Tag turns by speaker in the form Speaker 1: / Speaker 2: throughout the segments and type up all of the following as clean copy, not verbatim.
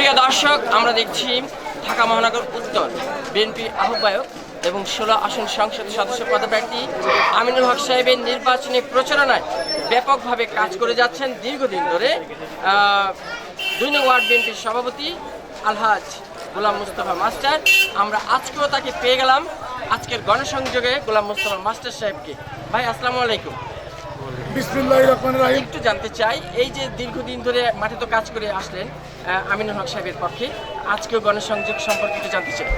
Speaker 1: প্রিয় দর্শক, আমরা দেখছি ঢাকা মহানগর উত্তর বিএনপি আহ্বায়ক এবং 16 আসন সংসদ সদস্য পদপ্রার্থী আমিনুল হক সাহেবের নির্বাচনী প্রচারণায় ব্যাপকভাবে কাজ করে যাচ্ছেন দীর্ঘদিন ধরে 2 নং ওয়ার্ড বিএনপির সভাপতি আলহাজ গোলাম মুস্তফা মাস্টার। আমরা আজকেও তাকে পেয়ে গেলাম আজকের গণসংযোগে গোলাম মুস্তফা মাস্টার সাহেবকে। ভাই আসসালামু আলাইকুম।
Speaker 2: বিসমিল্লাহির রহমানির রহিম।
Speaker 1: একটু জানতে চাই, এই যে দীর্ঘদিন ধরে মাঠে তো কাজ করে আসলেন আমিনুল হক সাহেবের পক্ষে, আজকেও গণসংযোগ সম্পর্কে একটু জানতে চাই।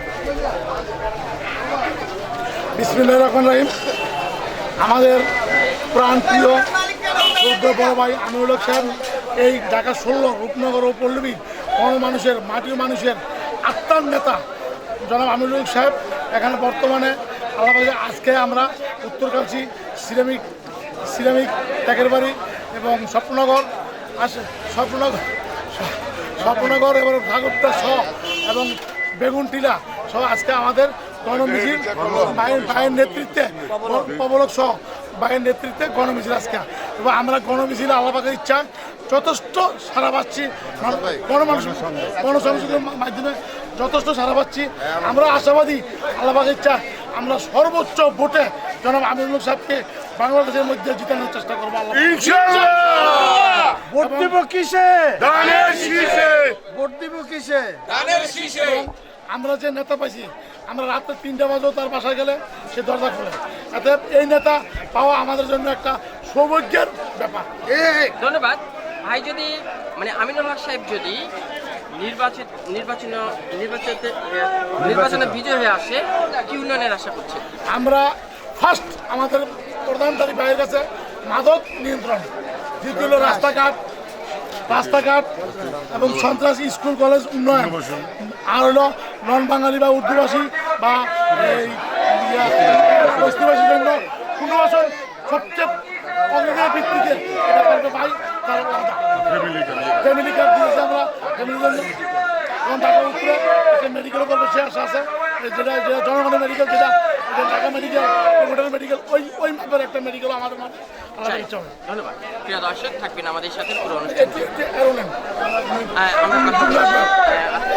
Speaker 2: বিসমিল্লাহির রহমানির রহিম। আমাদের প্রাণপ্রিয় সৌদ্য বড় ভাই আমিনুল হক সাহেব এই ঢাকা 16 রূপনগর ও পল্লবী মানুষের মাটির মানুষের আত্মার নেতা জনাব আমিনুল হক সাহেব এখানে বর্তমানে আজকে আমরা উত্তরকাশী সিরামিক ট্যাকের বাড়ি এবং স্বপ্নগর এবং ভাগবতা সহ এবং বেগুনটিলা সহ আজকে আমাদের গণমিছিল ভাইয়ের নেতৃত্বে প্রবলক সহ ভাইয়ের নেতৃত্বে গণমিছিল আজকে, এবং আমরা গণমিছিল আল্লাহর ইচ্ছা যথেষ্ট সারা পাচ্ছি, গণসংযোগের মাধ্যমে যথেষ্ট সারা পাচ্ছি। আমরা আশাবাদী আল্লাহর ইচ্ছা আমরা সর্বোচ্চ ভোটে জনাব আমিনুল হক সাহেবকে বাংলাদেশের মধ্যে জিতানোর চেষ্টা করবো।
Speaker 3: ভোট দিব কিসে?
Speaker 2: আমরা যে নেতা পাইছি, আমরা রাত্রে 3টা বাজেও তার বাসায় গেলে সে দরজা খোলে। এতে এই নেতা পাওয়া আমাদের জন্য একটা সৌভাগ্যের ব্যাপার।
Speaker 1: ধন্যবাদ ভাই। যদি আমিনুল হক সাহেব যদি নির্বাচনে বিজয় হয়ে আসে, কি উন্নয়নের আশা করছে?
Speaker 2: আমরা ফার্স্ট আমাদের প্রধানমন্ত্রী ভাইয়ের কাছে মাদক নিয়ন্ত্রণ, দ্বিতীয় হলো রাস্তাঘাট এবং সন্ত্রাসী স্কুল কলেজ উন্নয়ন, আর হলো নন বাঙালি বা উর্দুভাষী বা এই বস্তিবাসীর জন্য পুনর্বাসন সবচেয়ে অগ্রগতির ভিত্তিতে এটা করবে ভাই। তার ফ্যামিলি কার্ড দিয়েছে আমরা ফ্যামিলির জন্য, এবং ঢাকা উত্তরে একটা মেডিকেলও করবে সে আশা আছে, যেটা জনগণের মেডিকেল, যেটা ঢাকা মেডিকেল হোটেল মেডিকেল ওই মাপের একটা মেডিকেল আমাদের মাঠে আলাদা ইচ্ছা হবে।
Speaker 1: ধন্যবাদ। প্রিয় দর্শক, থাকবেন আমাদের সাথে পুরো অনুষ্ঠান।
Speaker 2: এরোলেন
Speaker 1: আমরা